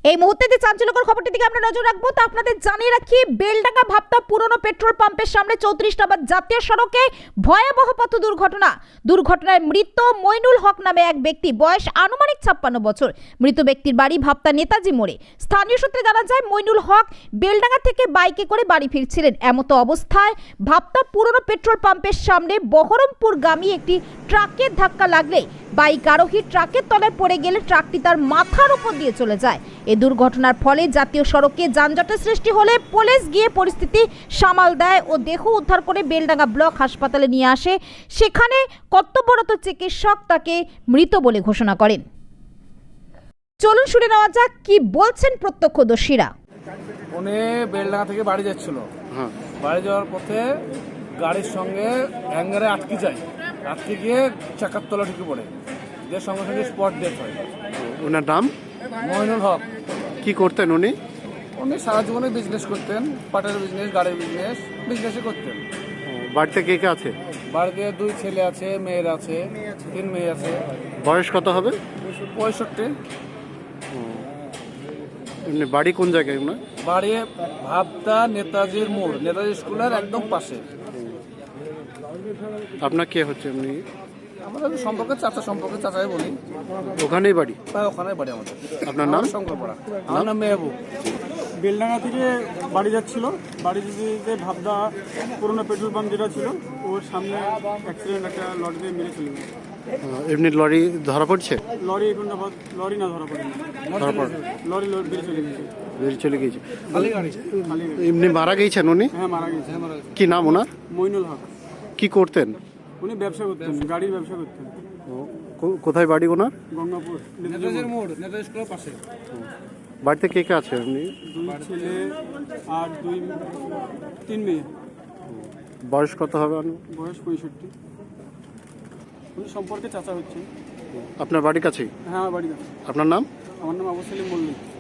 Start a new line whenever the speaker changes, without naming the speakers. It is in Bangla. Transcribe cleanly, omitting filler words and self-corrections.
এই মুহূর্তে যে চাঞ্চল্যকর খবরটি দিকে আমরা নজর রাখবো, তা আপনাদের জানিয়ে রাখি, বেলডাঙ্গা ভাবতা পুরনো পেট্রোল পাম্পের সামনে 34 নম্বর জাতীয় সড়কে ভয়াবহ পথ দুর্ঘটনায় মৃত মইনুল হক নামে এক ব্যক্তি, বয়স আনুমানিক 56 বছর। মৃত ব্যক্তির বাড়ি ভাবতা নেতাজি মোড়ে। স্থানীয় সূত্রে জানা যায়, মইনুল হক বেলডাঙ্গা থেকে বাইকে করে বাড়ি ফিরছিলেন। এমতো অবস্থায় ভাবতা পুরনো পেট্রোল পাম্পের সামনে বহরমপুরগামী একটি ট্রাকের ধাক্কা লাগলে বাইক আরোহী ট্রাকের তলায় পড়ে গেলে ট্রাকটি তার মাথার উপর দিয়ে চলে যায়। এই দুর্ঘটনার ফলে জাতীয় সড়কে যানজটের সৃষ্টি হলে পুলিশ গিয়ে পরিস্থিতি সামাল দেয় ও দেহ উদ্ধার করে বেলডাঙ্গা ব্লক হাসপাতালে নিয়ে আসে। সেখানে কর্তব্যরত চিকিৎসক তাকে মৃত বলে ঘোষণা করেন। চলুন শুনে নেওয়া যাক কি বলছেন প্রত্যক্ষদর্শীরা।
উনি বেলডাঙ্গা থেকে বাড়ি যাচ্ছিল। বাড়ি যাওয়ার পথে গাড়ির সঙ্গে হ্যাঙ্গারে আটকে যায়। আটকে গিয়ে চাকার তলা ঢুকে পড়ে, যে সঙ্গে সঙ্গে স্পট ডেথ হয়।
ওনার নাম
মইনুল হক।
কি করতেন উনি?
উনি সারা জীবনে বিজনেস করতেন, পাটের বিজনেস, গাড়ির বিজনেসই করতেন।
বাড়িতে কে কে আছে?
বাড়িতে 2 ছেলে আছে, মেয়ের আছে, 3 মেয়ে আছে।
বয়স কত হবে?
65।
এমনি বাড়ি কোন জায়গায় ওনার?
বাড়ি ভাবতা নেতাজির মোড়, নেতাজি স্কুলের একদম পাশে।
আপনার কে হচ্ছে এমনি?
আমাদের সম্পর্কে চাচাই বলি।
ওখানেই বাড়ি?
ওখানে বাড়ি আমাদের।
আপনার নাম?
শঙ্করপাড়া। আমার নাম মেহবুব।
বেলডাঙ্গা থেকে বাড়ি যাচ্ছিল। বাড়ি যেতে ভাবদা পুরোনো পেট্রোল পাম্প যেটা ছিল, ওর সামনে অ্যাক্সিডেন্ট, একটা লরি দিয়ে মেরে চলে গেছে।
এমনি লরি ধরা পড়ছে?
লরি এখন লরি না ধরা পড়েনি, লরি বেরিয়ে চলে গেছে।
এমনি মারা গেছেন উনি?
হ্যাঁ, মারা গেছে।
কি নাম ওনার?
মইনুল হক।
কি করতেন
উনি ব্যবসা করতেন, গাড়ির ব্যবসা করতেন।
কোথায় বাড়ি ওনার?
গঙ্গাপুর,
নেতাজির মোড়, নেতাজি স্কুলের পাশে।
বাড়িতে কে কে আছে এমনি?
2 ছেলে আর 3 মেয়ে।
বয়স কত হবে?
বয়স 65। উনি সম্পর্কে চাচা হচ্ছে।
আপনার বাড়ির কাছেই?
হ্যাঁ, আমার বাড়ি কাছে।
আপনার নাম?
আমার নাম আবু সেলিম মল্লিক।